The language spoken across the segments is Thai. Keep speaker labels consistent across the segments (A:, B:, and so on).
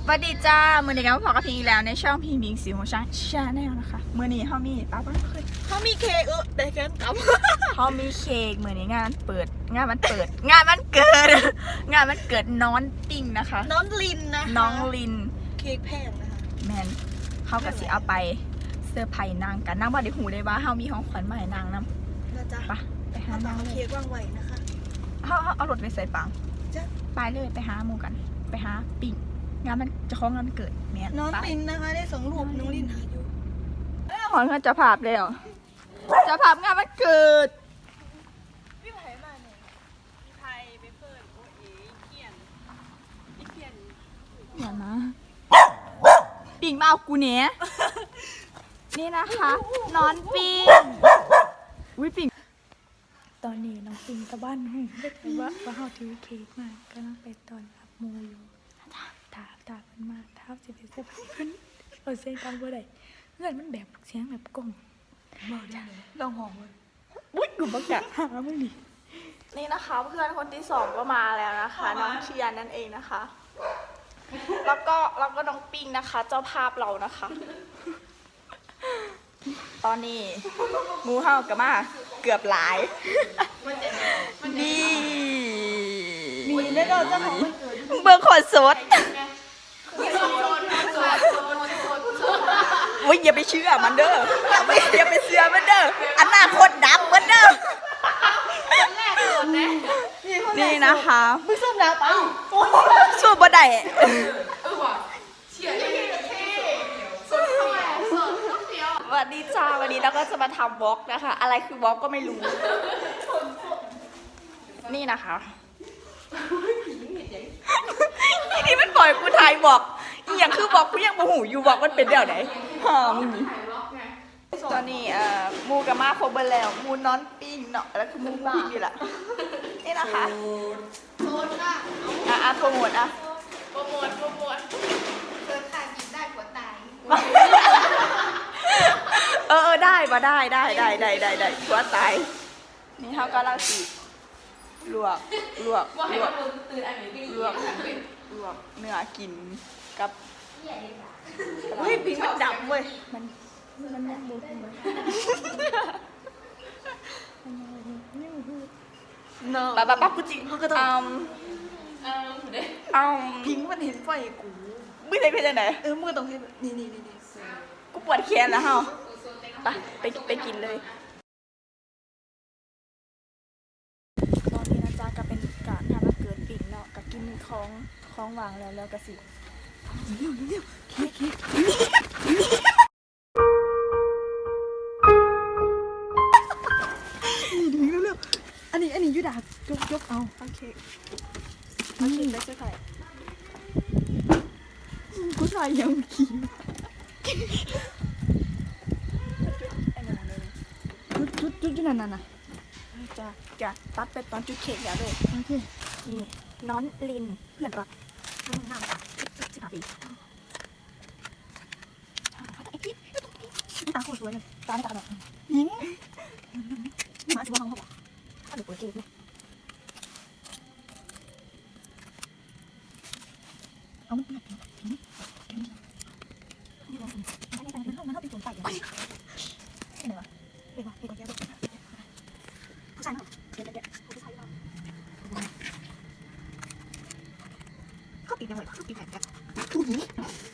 A: วัสดีจ้ามือนี้กันมาพอกับพี่อีกแล้วในช่องพีมิงสีของช้างชาแนลนะคะมือนี้เขามีป้าป้าเคย
B: เขามีเค้กแต่เกินกับ
A: เขามีเค้กมือนี้งานมันเปิดงานมันเกิดงานมันเกิดน้อนปิ้งนะคะ
B: น้องลินนะ
A: น้องลิน
B: เค้กแพงนะคะ
A: แมนเขากะสิเอาไปเซอร์ไพรส์นางกันนางว่าได้หูได้ว่าเขามีของขวัญมาให้นางนำ
B: นะจ๊ะ
A: ไปหา
B: เอา
A: นางเล
B: เค้
A: ย
B: กวางไว้นะคะ
A: เอารถไปใส่ปัง
B: จ้ะ
A: ไปเลยไปหาหมูกันไปหาปิ้งงานมันจะคล้องงานมันเกิดแมน
B: น้อง
A: ไป
B: ลินนะคะได้2 รูปน้องลินหาอยู่
A: ขอเงินจะภาพเลยเหรอจะภาพงานมันเกิด
B: พี่ไผ่มาเนี่ยพี่ไผ่ไปเปิดโอเอ๋เขียน
A: อย่านะปิ่งมาเอากูเนี้ยนี่นะคะนอนปิ่งอุ้ยปิ่งตอนนี้น้องปิ่งกับบ้านหูว่าเขาถือเค้กมากำลังไปตอนรับโมอยู่ถามมันมากท้าสิเป็นเสื้อผ้าขึ้นเอาเสียงดังเมื่อไหร่เพื่อนมันแบบเสียงแบบกล้อง
B: บอกได้เลยลองหอมเลย
A: อุ้ยกูบักอยากหามึงดินี่นะคะเพื่อนคนที่2ก็มาแล้วนะคะน้องเชียร์นั่นเองนะคะ แล้วก็น้องปิงนะคะ เจ้าภาพเรานะคะ ตอนนี้งูเห่ากับมาเกือบหลายนี่
B: มีได้เราเจ้าของวันเกิด
A: เบอร์ขนสดโอ้ยอย่าไปเชื่อมันเด้ออย่าไปเชื่อมันเด้ออนาคตดับมันเด้อนี่นะคะ
B: มึงส้มแล้วเปล่า
A: สู้บ่ได้สวัสดีจ้าวันนี้เราก็จะมาทำวอล์กนะคะ อะไรคือวอล์กก็ไม่รู้ นี่นะคะนี่มันปล่อยกูถ่ายบอกอีอย่างคือบอกกูยังโมโหอยู่บอกมันเป็นเดี๋ยวไหนฮ่ามึงนี่ตอนนี้มูกับมาโคเบอร์แล้วมูนอนปิ้งเนาะแล้วคือมูปิ้งนี่แหละนี่นะคะโซนค่ะโปรโมทโปรโมท
B: เกิดขาดกินได้กว่าตาย
A: ได้มาได้หัวตายนี่เขากำลังสีลวกเนื้อกินกับเฮ้ยปิ้งมันดำเว้ยมันยังบุกป้ากูจริงเขาก็ต้อง
B: พิงมันเห็นไฟกู
A: ไม่ได้เป็นยังไง
B: มึงก็ต้องเห็นนี่
A: กูปวดแขนแล้วเฮาไปกินเลยตอนนี้นะจ๊ะก็เป็นการทำมาเกิดปิ่งเนาะกับกินของวางแล้วก็สิเร็วเค้ก
B: นี่เร็วอันนี้ยูดายกเอาโอเค
A: มากินได้ใช่ไหมกูใส่ยังขี้
B: จุดนั่นน่ะ
A: จะตัดไปตอนจุดเค้กแล้วเลย
B: โอเค
A: นี่น้อนลินเพื่อนรักน้ำ15 ปีตาโคตรสวยเลยตาหน่อยยิงมาสิว่าเขาบอกถ้าดูเปิดเกมเลยเอามันแบบนี้มันเข้าเป็นตัวใส่ยังไงเนี่ยวะเฮ้ยแกผู้ชายเนาะเดี๋ยวผู้ชายเนาะเขาปิดยังไงเขาปิดแผ่นกันทุกนี้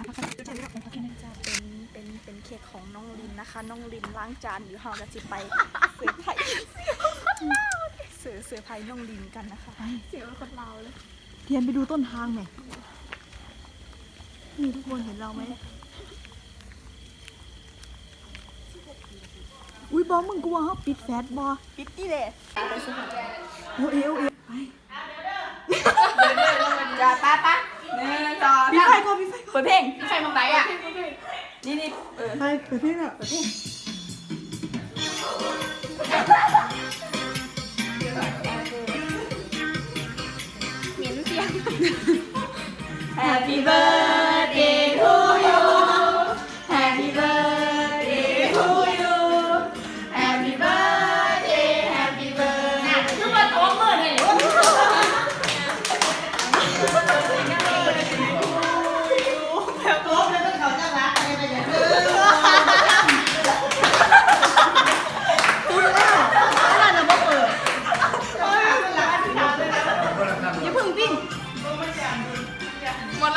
A: เป็นเค้กของน้องลินนะคะน้องลินล้างจานอยู่ห้องจะจิไปเสือไผ่เสือไผ่น้องลินกันนะคะเสียงคนเราเลย
B: เทียนไปดูต้นทางไหมนี่ทุกคนเห็นเราไหมอุ้ยบอมึงกูว่าเขาปิดแฟตบอ
A: ปิดนี่เลยไปสิ
B: โอ้เอวไป
A: จ้าป้าต่อ
B: พี่ไฟก่อนพี่ไฟ
A: เปิดเพลงใครมองไหนอ่ะนี่
B: ไปเปิดเพลงอ่ะเปิดเพลง
A: เหม็นเสียง Happy birthday to you Happy birthday to you Happy birthday Happy birthday คือมาตัวเมื่อไหร่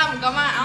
A: ำก็มาเอ้า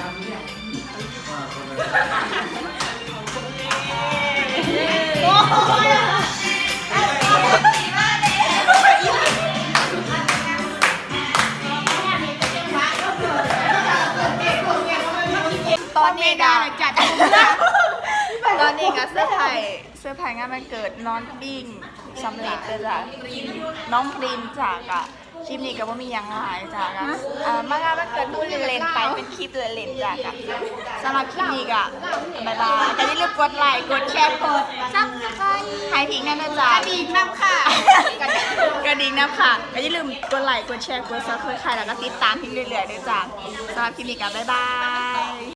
A: ตอนนี้ก็จัดตอนนี้ก็เสื้อผ้างานวันเกิดน้องปิ้งสำเร็จเลยจ้ะน้องพรินจากอะคลิปนี้ก็ว่ามีอย่างหลายจากอะมางานวันเกิดพูดเล่นๆไปเป็นคลิปเล่นๆจากอะสำหรับคลิปนี้ก็บ๊ายบายแต่อย่าลืมกดไลค์กดแชร์กดซับสไครต์ให้ทิ้งนั่นนะจ๊ะกระดิ่งน้ำค่ะกระดิ่งน้ำค่ะก็อย่าลืมกดไลค์กดแชร์กดซับสไครต์แล้วก็ติดตามทิ้งเรื่อยๆด้วยจ้ะสำหรับคลิปนี้ก็บ๊ายบาย